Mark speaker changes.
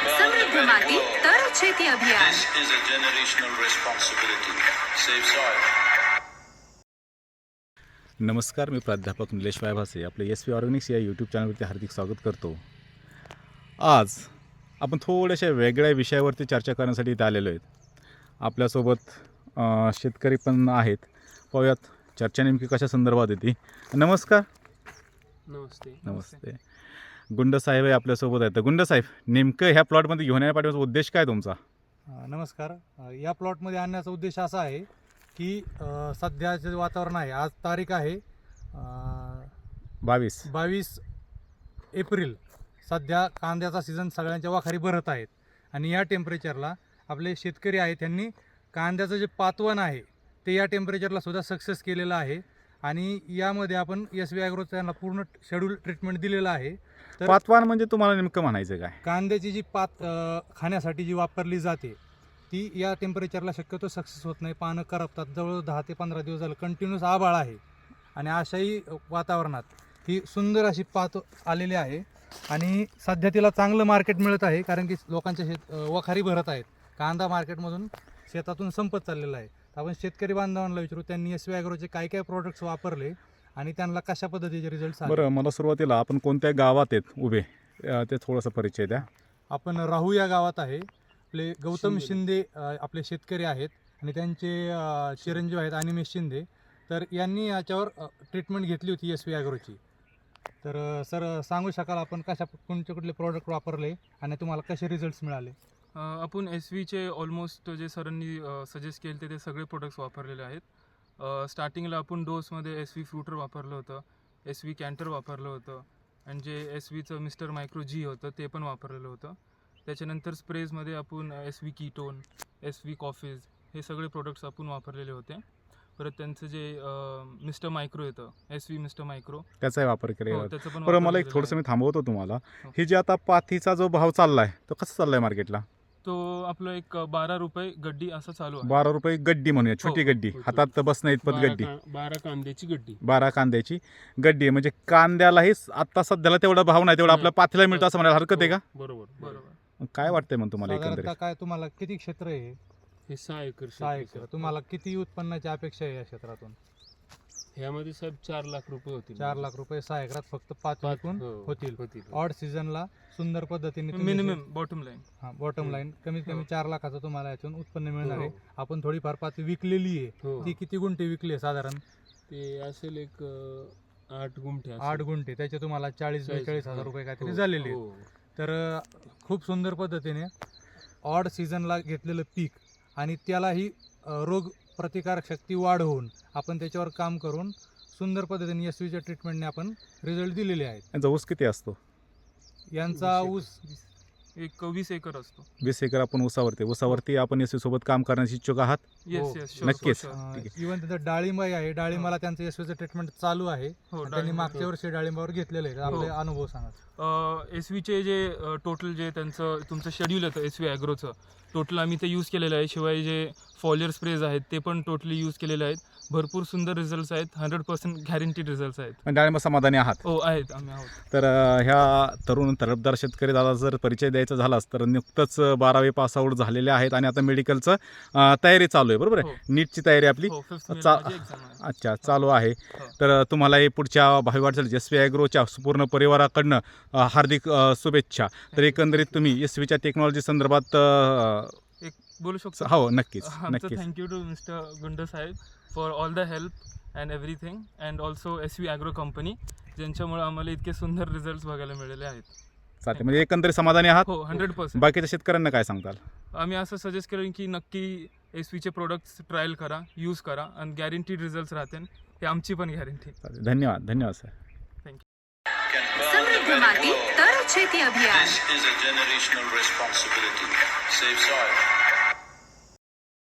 Speaker 1: समृद्ध माती तर शेती अभियान.
Speaker 2: This is a generational responsibility. Save soil.
Speaker 3: नमस्कार, मी प्राध्यापक निलेश वायभासे आपले SV ऑर्गॅनिक्स या यूट्यूब चॅनलवरती हार्दिक स्वागत करतो. आज आपण थोड्याशा वेगळ्या विषयावरती चर्चा करण्यासाठी इथे आलेलो आहेत. आपल्यासोबत शेतकरी पण आहेत. पाहूयात चर्चा नेमकी कशा संदर्भात येते. नमस्कार.
Speaker 4: नमस्ते.
Speaker 3: नमस्ते. गुंड साहेब आहे आपल्यासोबत आहेत. गुंड साहेब, नेमकं ह्या प्लॉटमध्ये घेऊन येण्यापाठीचा उद्देश काय तुमचा?
Speaker 5: नमस्कार. या प्लॉटमध्ये आणण्याचा उद्देश असा आहे की सध्याचे वातावरण आहे, आज तारीख आहे 22 एप्रिल. सध्या कांद्याचा सीझन सगळ्यांच्या वाखारी भरत आहेत आणि या टेम्परेचरला आपले शेतकरी आहेत त्यांनी कांद्याचं जे पातवण आहे ते या टेम्परेचरला सुद्धा सक्सेस केलेलं आहे आणि यामध्ये आपण SV ॲग्रो त्यांना पूर्ण शेड्यूल ट्रीटमेंट दिलेलं आहे. तर
Speaker 3: पातवान म्हणजे तुम्हाला नेमकं म्हणायचं काय?
Speaker 5: कांद्याची जी पात खाण्यासाठी जी वापरली जाते ती या टेम्परेचरला शक्यतो सक्सेस होत नाही. पानं करपतात. जवळ 10 ते 15 दिवस झालं कंटिन्यूस आभाळ आहे आणि अशाही वातावरणात ही सुंदर अशी पात आलेली आहे आणि सध्या तिला चांगलं मार्केट मिळत आहे कारण की लोकांच्या वखारी भरत आहेत. कांदा मार्केटमधून शेतातून संपत चाललेला आहे. तर आपण शेतकरी बांधवांना विचारू त्यांनी SV ॲग्रोचे काय काय प्रोडक्ट्स वापरले आणि त्यांना कशा पद्धतीचे रिझल्ट आले.
Speaker 3: बरं, मला सुरुवातीला आपण कोणत्या गावात आहेत उभे ते थोडासा परिचय द्या.
Speaker 5: आपण राहू या गावात आहे. आपले गौतम शिंदे आपले शेतकरी आहेत आणि त्यांचे चिरंजीव आहेत अनिमेश शिंदे. तर यांनी याच्यावर ट्रीटमेंट घेतली होती SV ॲग्रोची. तर सर सांगू शकाल आपण कोणते कुठले प्रोडक्ट वापरले आणि तुम्हाला कसे रिझल्ट्स मिळाले?
Speaker 4: आपण SVचे ऑलमोस्ट जे सरांनी सजेस्ट केले ते सगळे प्रोडक्ट्स वापरलेले आहेत. स्टार्टिंगला आपण डोसमध्ये SV फ्रुटर वापरलं होतं, SV कॅन्टर वापरलं होतं आणि जे SVचं मिस्टर मायक्रो G होतं ते पण वापरलेलं होतं. त्याच्यानंतर स्प्रेजमध्ये आपण SV कीटोन, SV कॉफीज हे सगळे प्रोडक्ट्स आपण वापरलेले होते. परत त्यांचं जे मिस्टर मायक्रो येतं SV मिस्टर मायक्रो
Speaker 3: त्याचाही वापर केलेला
Speaker 4: हो,
Speaker 3: होता.
Speaker 4: त्याचं पण
Speaker 3: बरं, मला
Speaker 4: वापर
Speaker 3: एक थोडंसं
Speaker 4: केलेलं
Speaker 3: मी थांबवतो तुम्हाला.
Speaker 4: हो.
Speaker 3: ही जी आता पाथीचा जो भाव चाललाय तो कसा चाललाय मार्केटला?
Speaker 4: आहे. तो आपलं एक 12 रुपये गड्डी असं चालू आहे.
Speaker 3: 12 रुपये गड्डी म्हणूया, छोटी
Speaker 4: हो,
Speaker 3: गड्डी,
Speaker 4: हो,
Speaker 3: हातात बसण्या इतपत गड्डी.
Speaker 4: 12 कांद्याची गड्डी.
Speaker 3: 12 कांद्याची गड्डी म्हणजे कांद्यालाही आता सध्याला तेवढा भाव नाही तेवढा आपल्या पाथीला मिळतो असं म्हणायला हरकत आहे का?
Speaker 4: बरोबर.
Speaker 3: मग काय वाटतंय मग तुम्हाला
Speaker 5: साधारणतः
Speaker 3: एकंदरीत?
Speaker 5: काय तुम्हाला किती क्षेत्र आहे?
Speaker 6: हे 6 एकर
Speaker 5: 6 एकर. तुम्हाला किती उत्पन्नाची अपेक्षा आहे या क्षेत्रातून?
Speaker 6: ह्यामध्ये साहेब 4 लाख रुपये होतील.
Speaker 5: 4 लाख रुपये 6 एकरात फक्त 5 विकून होतील.
Speaker 6: होतील.
Speaker 5: ऑड सीझनला सुंदर पद्धतीने
Speaker 4: minimum bottom line.
Speaker 5: Bottom line कमीत कमी 4 लाखाचं तुम्हाला यातून उत्पन्न मिळणार आहे.
Speaker 6: हो.
Speaker 5: आपण थोडीफार पात विकलेली आहे.
Speaker 6: हो.
Speaker 5: ती किती गुंठे विकली आहे साधारण?
Speaker 6: ते असेल एक 8 गुंठे असेल.
Speaker 5: 8 गुंठे. त्याचे तुम्हाला 40-42 हजार रुपये काहीतरी
Speaker 6: हो,
Speaker 5: झालेले आहेत.
Speaker 6: हो.
Speaker 5: तर खूप सुंदर पद्धतीने ऑड सीझनला घेतलेलं पीक आणि त्यालाही रोग प्रतिकारक शक्ती वाढवून आपण त्याच्यावर काम करून सुंदर पद्धतीने SVच्या ट्रीटमेंटने आपण रिझल्ट दिलेले आहेत.
Speaker 3: यांचा ऊस किती असतो?
Speaker 5: यांचा ऊस
Speaker 4: एक 20 एकर असतो.
Speaker 3: 20 एकर आपण ऊसावरती आपण SV सोबत काम करण्याची इच्छुक आहात?
Speaker 4: येस येस शुअर,
Speaker 3: नक्कीच.
Speaker 4: Sure, sure.
Speaker 3: ठीक आहे.
Speaker 5: इव्हन तिथं डाळिंबाई आहे. डाळिंबाला त्यांचं SVचं ट्रीटमेंट चालू आहे.
Speaker 4: हो,
Speaker 5: त्यांनी
Speaker 4: डाळिंब.
Speaker 5: मागच्या वर्षी डाळिंबावर घेतलेलं आहे. आपले अनुभव सांगा.
Speaker 4: SVचे जे टोटल जे तुमचं शेड्यूल येतं SV ॲग्रोचं टोटल आम्ही ते यूज केलेलं आहे. शिवाय जे फॉलियर स्प्रेज आहेत ते पण टोटली यूज केलेले आहेत. भरपूर सुंदर रिझल्ट्स आहेत. 100% गॅरंटीड रिझल्ट्स आहेत.
Speaker 3: पण डाळिंब समाधानी आहात?
Speaker 4: हो आहेत, आम्ही आहोत.
Speaker 3: तर ह्या तरुण तडफदार शेतकरी दादा जर परिचय द्यायचा झालाच तर नुकतंच 12वी पास आऊट झालेले आहेत आणि आता मेडिकलचं तयारी चालू आहे, बरोबर आहे?
Speaker 4: हो.
Speaker 3: नीटची तयारी आपली
Speaker 4: हो, 5th May
Speaker 3: चा-
Speaker 4: ला माझी exam आहे.
Speaker 3: अच्छा चालू आहे.
Speaker 4: हो.
Speaker 3: तर तुम्हाला हे पुढच्या भावी वाटचाल SV ॲग्रोच्या पूर्ण परिवाराकडनं हार्दिक शुभेच्छा. तर एकंदरीत तुम्ही SVच्या टेक्नॉलॉजी संदर्भात
Speaker 4: एक बोलू शकतो?
Speaker 3: हो नक्कीच
Speaker 4: आमचं
Speaker 3: नक्कीच.
Speaker 4: Thank you to mister Gund Saheb for all the help and everything and also SV agro company ज्यांच्यामुळे आम्हाला इतके सुंदर रिझल्ट्स बघायला मिळाले आहेत.
Speaker 3: चालते, म्हणजे एकंदरीत समाधानी आहात?
Speaker 4: हो 100%.
Speaker 3: बाकीच्या शेतकऱ्यांना काय सांगताल?
Speaker 4: आम्ही असं सजेस्ट करेन की नक्की SVचे प्रोडक्ट्स ट्रायल करा, यूज करा आणि गॅरंटीड रिझल्ट्स राहतील. हे आमची पण गॅरंटी.
Speaker 3: चालेल. धन्यवाद सर.
Speaker 1: समृद्ध माती तर शेती अभियान.
Speaker 2: This is a generational responsibility. Save soil.